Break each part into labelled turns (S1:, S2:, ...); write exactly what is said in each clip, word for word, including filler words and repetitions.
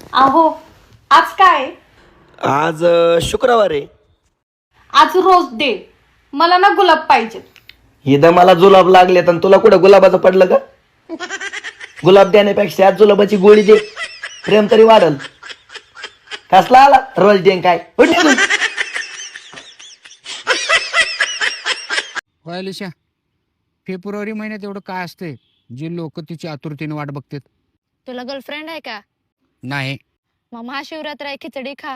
S1: अहो आज काय?
S2: आज अ, शुक्रवार आहे.
S1: आज रोज डे. मला ना गुलाब पाहिजे.
S2: इथं मला जुलाब लागले तर तुला कुठं गुलाबाचं पडलं का? गुलाब देण्यापेक्षा आज जुलाबाची गोळी दे, प्रेम तरी वाढल. कसला आला रोज डे काय? उठ निघून.
S3: होय अलिशा, फेब्रुवारी महिन्यात एवढं काय असते जे लोक तिची आतुरतेने वाट बघतात?
S4: तुला गर्लफ्रेंड आहे का?
S3: नाही.
S4: मग महाशिवरात्र आहे, खिचडी खा.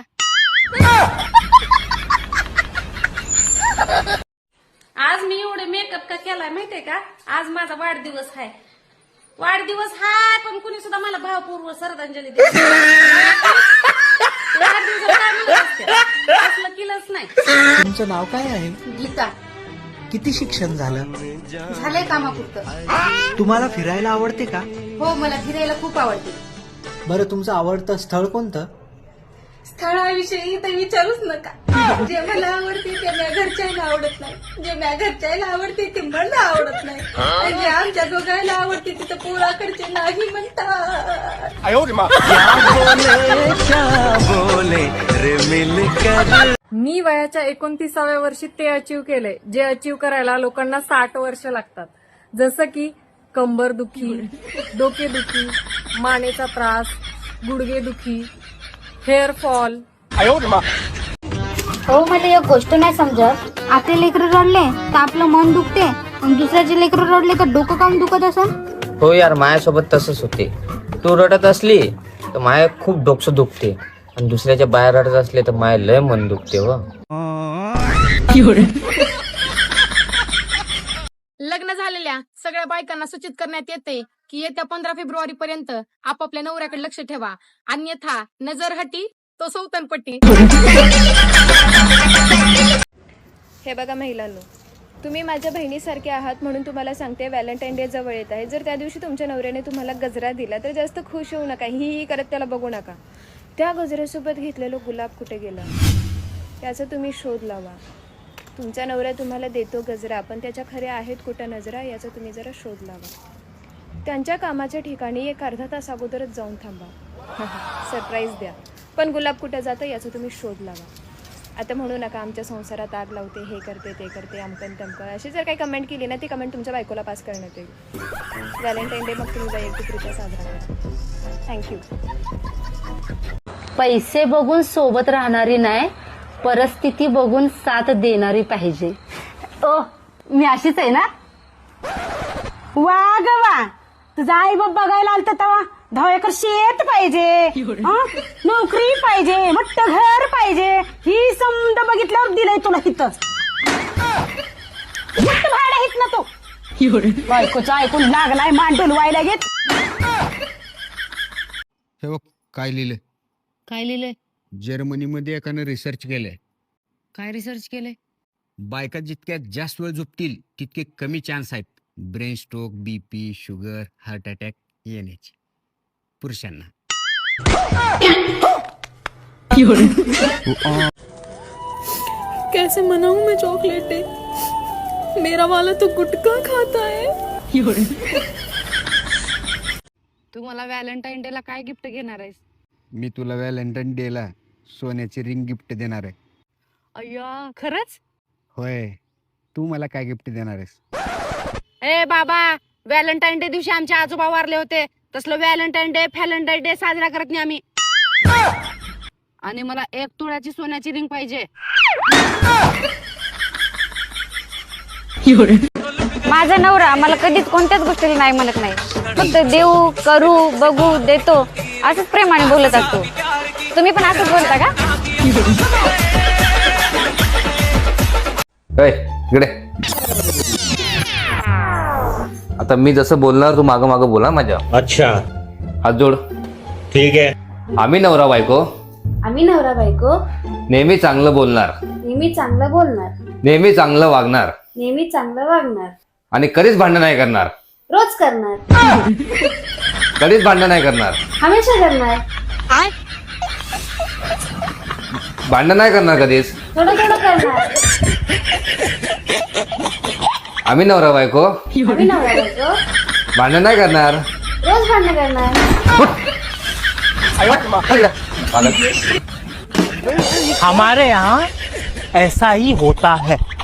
S5: आज मी एवढे मेकअप का केलाय माहितीये का? आज माझा वाढदिवस आहे. वाढदिवस हाय पण कुणी सुद्धा मला भावपूर्व श्रद्धांजली देत वाढदिवसाला काय म्हणत असते? असलं केलंच नाही.
S6: तुमचं नाव काय आहे?
S1: गीता.
S6: किती शिक्षण झालं?
S1: झालंय कामापुरतं.
S6: तुम्हाला फिरायला आवडते का?
S1: हो मला फिरायला खूप आवडते.
S6: बरं तुमचं आवडतं स्थळ कोणतं?
S5: स्थळाविषयी तर विचारूच नका. जे मला आवडते ते माझ्या घरच्याला आवडत नाही, जे माझ्या घरच्याला आवडते ते मला आवडत नाही, आणि जे आमच्या दोघांना आवडते तिथं पोराकडचे नाही म्हणतात.
S7: मी वयाच्या एकोणतीसाव्या वर्षी ते अचीव केलंय जे अचीव करायला लोकांना साठ वर्ष लागतात. जसं की कंबर दुखी, डोकेदुखी, मानेचा त्रास, गुडघेदुखी, हेअर फॉल.
S8: हो मला एक गोष्ट नाही समजत. आपले लेकरं रडले तर आपलं मन दुखते आणि दुसऱ्याचे लेकरं रडले तर डोकं काम दुखत असेल.
S9: हो यार, माझ्यासोबत तसंच होते. तू रडत असली तर माया खूप डोकं दुखते आणि दुसऱ्याच्या बाहेर रडत असले तर माया लय मन दुखते. हो
S4: लग्न झालेल्या सगळ्या बायकांना सूचित करण्यात येते की येत्या पंधरा फेब्रुवारी पर्यंत आपापल्या नवऱ्याकडे लक्ष ठेवा, अन्यथा नजर हटी तो सौतनपट्टी.
S10: हे बघा महिलांनो, तुम्ही माझ्या बहिणीसारखे आहात म्हणून तुम्हाला सांगते, व्हॅलेंटाईन डे जवळ येत आहे. जर त्या दिवशी तुमच्या नवऱ्याने तुम्हाला गजरा दिला तर जास्त खुश होऊ नका, ही ही करत त्याला बघू नका. त्या गजऱ्यासोबत घेतलेलं गुलाब कुठे गेला त्याचा तुम्ही शोध लावा. तुमचा नवरा तुम्हाला देतो गजरा पण त्याच्या खऱ्या आहेत कुठं नजरा याचा तुम्ही जरा शोध लावा. त्यांच्या कामाच्या ठिकाणी एक अर्धा तास अगोदरच जाऊन थांबा, सरप्राईज द्या, पण गुलाब कुठं जातं याचा तुम्ही शोध लावा. आता म्हणू नका आमच्या संसारात आग लावते, हे करते ते करते, अमकन तमकन अशी जर काही कमेंट केली ना ती कमेंट तुमच्या बायकोला पास करण्यात येईल. व्हॅलेंटाईन डे मग तुम्ही वैयक्तिकरित्या साजरा करा. थँक्यू.
S11: पैसे बघून सोबत राहणारी नाही, परिस्थिती बघून साथ देणारी पाहिजे. ओ मी अशीच आहे ना?
S8: वा ग वा, तुझा आई बाप बघायला आलता तेव्हा दहा एकर शेत पाहिजे, नोकरी पाहिजे, मोठं घर पाहिजे, ही समजा बघितल्यावर दिलंय तुला हिथं मोठं भाडं हित ना तो. बायकोचं ऐकून लागलाय मान डोलवायला घेत.
S3: हे बघ काय लिहिलंय.
S4: काय लिहिलंय?
S3: जर्मनीमध्ये एकानं रिसर्च केलंय.
S4: काय रिसर्च केलंय?
S3: बायका जितक्या जास्त वेळ झोपतील तितके कमी चान्स आहेत brain stroke, BP, sugar, heart attack येण्याचे पुरुषांना.
S7: कैसे मनाऊं मैं चॉकलेट, मेरा वाला तो गुटखा खाता है.
S4: तू मला व्हॅलेंटाईन डे ला काय गिफ्ट घेणार आहेस?
S3: मी तुला व्हॅलेंटाईन डे ला सोन्याची रिंग गिफ्ट देणार आहे.
S4: अय्या खरंच?
S3: होय. तू मला काय गिफ्ट देणार आहेस?
S4: ए बाबा, व्हॅलेंटाईन डे दिवशी आमचे आजोबा वारले होते, तसलं व्हॅलेंटाईन डे व्हॅलेंटाईन डे साजरा करत नाही आम्ही. आणि मला एक तोळ्याची सोन्याची रिंग पाहिजे.
S8: माझा नवरा मला कधीच कोणत्याच गोष्टीला नाही म्हणत नाही, फक्त देऊ, करू, बघू, देतो असंच प्रेमाने बोलत असतो. तुम्ही पण असंच बोलता का?
S9: इकडे आता मी जसं बोलणार तू मागं मागं बोला माझ्या.
S12: अच्छा,
S9: हात जोड.
S12: ठीक आहे.
S9: आम्ही नवरा बायको
S8: आम्ही नवरा बायको
S9: नेहमी चांगलं बोलणार,
S8: नेहमी चांगलं बोलणार,
S9: नेहमी चांगलं वागणार
S8: नेहमी चांगलं वागणार,
S9: आणि कधीच भांडण नाही करणार.
S8: रोज करणार,
S9: कधीच भांडण नाही करणार,
S8: हमेशा करणार,
S9: भांडण नाही करणार कधीच,
S8: थोडं थोडं करणार.
S9: आम्ही नवरा बायको
S8: आम्ही नवरा बायको
S9: भांडण नाही करणार,
S8: रोज भांडण करणार.
S12: हमारे यहाँ ऐसा ही होता है.